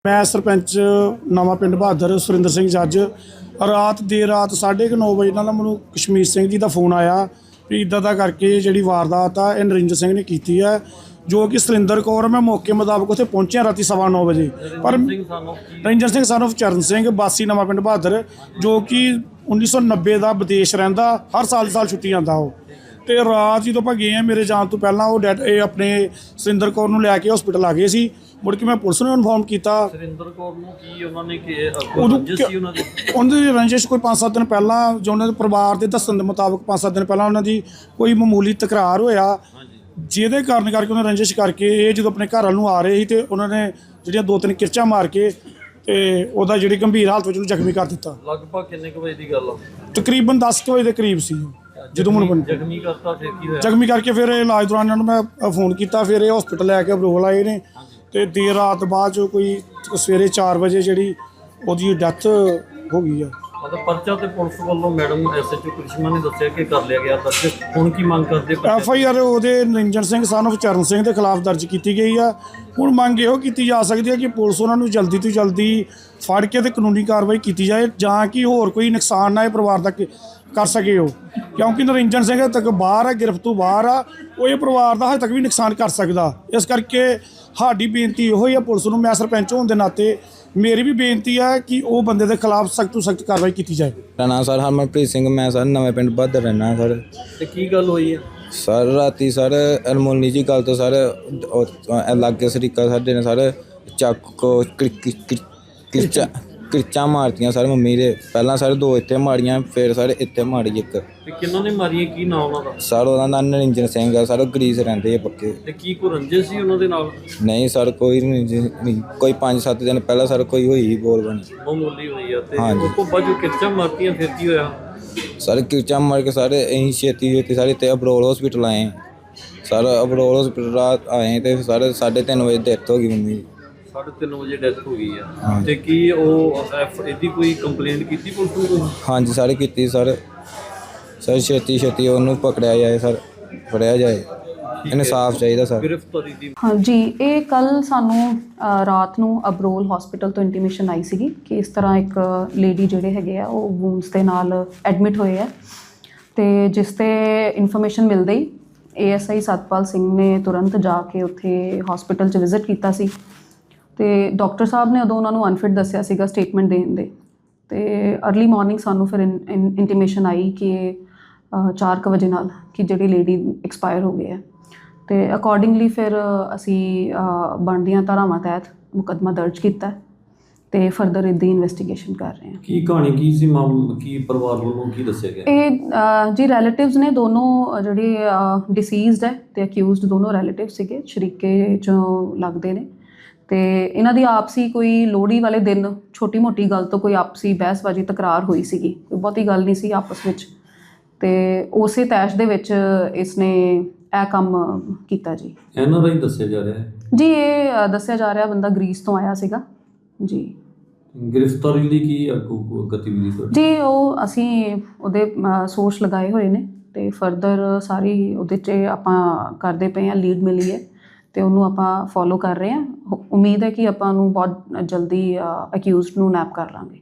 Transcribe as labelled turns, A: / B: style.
A: मैं सरपंच नवा पिंड बहादुर सुरिंदर सिंह जज देर रात 9:30 बजे नाल मैनूं कशमीर सिंह जी का फोन आया भी इदा दा करके जी वारदात आ ये नरिंदर सिंह ने की है, जो कि सुरिंदर कौर। मैं मौके मुताबिक उत्थे पहुंचा राती 9:15 बजे। पर नरिंदर सिंह सन ऑफ चरण सिंह वासी नवा पिंड बहादुर, जो कि 1990 का विदेश रहिंदा, हर साल छुट्टी आंदा वो। तो रात जो आप गए हैं मेरे जान तो पहला वो अपने सुरिंदर कौर नूं लैके हॉस्पिटल आ गए सी। मुड़ के मैं पुलिस नूं इन्फॉर्म किया। उन्होंने रंजिश कोई 5-7 दिन पहला जो उन्होंने परिवार के दस्सण के मुताबिक 5-7 दिन पहला उन्होंने कोई मामूली तकरार होया, जिहदे कारण करके उन्होंने रंजिश करके ये जो अपने घर नूं आ रहे थे तो उन्होंने जिहड़ियां 2-3 किरचां मार के ते उहदा जिहड़ी गंभीर हालत विच जख्मी कर दिता।
B: लगभग किन्ने बजे की गल
A: तकरीबन 10 बजे के करीब सी जो मैं जख्मी करके फिर इलाज दौरान इन्होंने मैं फोन किया, फिर ये हॉस्पिटल लैके अबरोल आए ने। तो देर रात बाद जो कोई सवेरे 4 बजे जी वो डैथ हो गई है।
B: मतलब पर्चा ते पुलिस वालों मैडम SHO करिश्मा ने दस्सिया कि कर लिया गया दर्ज। हुण की मंग करदे?
A: FIR ਉਹਦੇ ਨਰਿੰਦਰ ਸਿੰਘ सन ऑफ चरण सिंह के खिलाफ दर्ज की गई है। हुण मंग ਇਹੋ ਕੀਤੀ ਜਾ ਸਕਦੀ है कि पुलिस उन्होंने जल्दी तो जल्दी फड़ के ते कानूनी कार्रवाई की जाए, जां कि होर कोई नुकसान ना परिवार तक कर सके हो, क्योंकि नरिंਦਰ ਸਿੰਘ तक बाहर है, गिरफ्त तो बाहर आ, वो ये परिवार का हजे तक भी नुकसान कर सकता। इस करके साडी बेनती इहो ही है पुलिस नूं, मैं सरपंच होने के नाते मेरी भी बेनती है कि वो बंदे के खिलाफ सख्त तो सख्त कार्रवाई की जाए।
C: मेरा नाम सर हरमनप्रीत सिंह, मैं सर नवे पिंड बहादुर रहना सर।
B: की गल हुई है
C: सर? राती सर अनमोली जी गल तो सर लागे सरीका साडे ने सर चाकू किरचा मारतियां सर मम्मी दे। पहला सर 2 इत्थे मारियां, फिर सर इत्थे मारी एक।
B: किन्हों ने मारियां? की नाम उन्होंने?
C: सर उहदा नाम नरिंਦਰ सिंह है सर, गरीस रहंदे पक्के।
B: ते की कोई रंजिश सी उन्हां दे नाल?
C: नहीं सर कोई नहीं, कोई 5-7 दिन पहला सर कोई हुई बोल बनी
B: मामूली हुई है। ते
C: हाँ जी।
B: उस तो बाद जो किरचा मारतियां फिर की होया?
C: सर किरचा मार के सर अं छेती सारे इतने अबरोल हॉस्पिटल आए सर। अबरोल हॉस्पिटल रात आए तो सर 3:30 बजे डेथ हो गई मम्मी।
B: 3:30 बजे डेथ हो गई है। ते की इहदी कोई कंप्लेंट की पुलिस नूं?
C: हाँ जी सर की सर छेती उन्होंने पकड़िया जाए सर, फड़िया जाए, इंसाफ चाहिए सर।
B: गिरफ्तारी दी?
D: हाँ जी, ये कल सानू रात नूं अबरोल हॉस्पिटल तो इंटीमेशन आई सी कि इस तरह एक लेडी जिहड़े हैगे आ वो वूंड्स के नाल एडमिट होए है। तो जिस ते इन्फॉर्मेशन मिलते ही ASI सतपाल सिंह ने तुरंत जाके उत्थे हॉस्पिटल च विजिट किया सी। तो डॉक्टर साहब ने उदों उन्होंने अनफिट दस्सिया सीगा स्टेटमेंट देण दे। तो अर्ली मॉर्निंग सानू फिर इंटीमेशन आई कि 4 बजे नाल कि जिहड़ी लेडी एक्सपायर हो गई है। तो अकॉर्डिंगली फिर असी बनदियां धारावां तहत मुकदमा दर्ज किया तो फरदर इदी इन्वेस्टिगेशन कर रहे हैं।
B: की कहानी की सी की परिवार वालों की दस्सिया गया?
D: ये जी रिलेटिव्स ने दोनों जिहड़े डिसीज़ड है तो अक्यूज़ड दोनों रिलेटिव सीगे, शरीके चों लगदे ने। तो इन्हां दी आपसी कोई लोहड़ी वाले दिन छोटी मोटी गल तो कोई आपसी बहसबाजी तकरार हुई सीगी, कोई बहुती गल नहीं सी आपस विच। तो उस तैश दे विच इसने यह काम किया जी।
B: इन्हां दा ही दस्सिया जा रहा है
D: जी, ये दस्सिया जा रहा बंदा ग्रीस तो आया सीगा जी।
B: गिरफ्तारी लई की अगों गतिविधि
D: जी वो असी उहदे सोर्स लगाए हुए ने ते फरदर सारी उहदे च आपां करदे पे हैं, लीड मिली है तो उन्होंने आप फॉलो कर रहे हैं। उम्मीद है कि आपां नूं बहुत जल्दी अक्यूज़ड नूं नैप कर लांगे।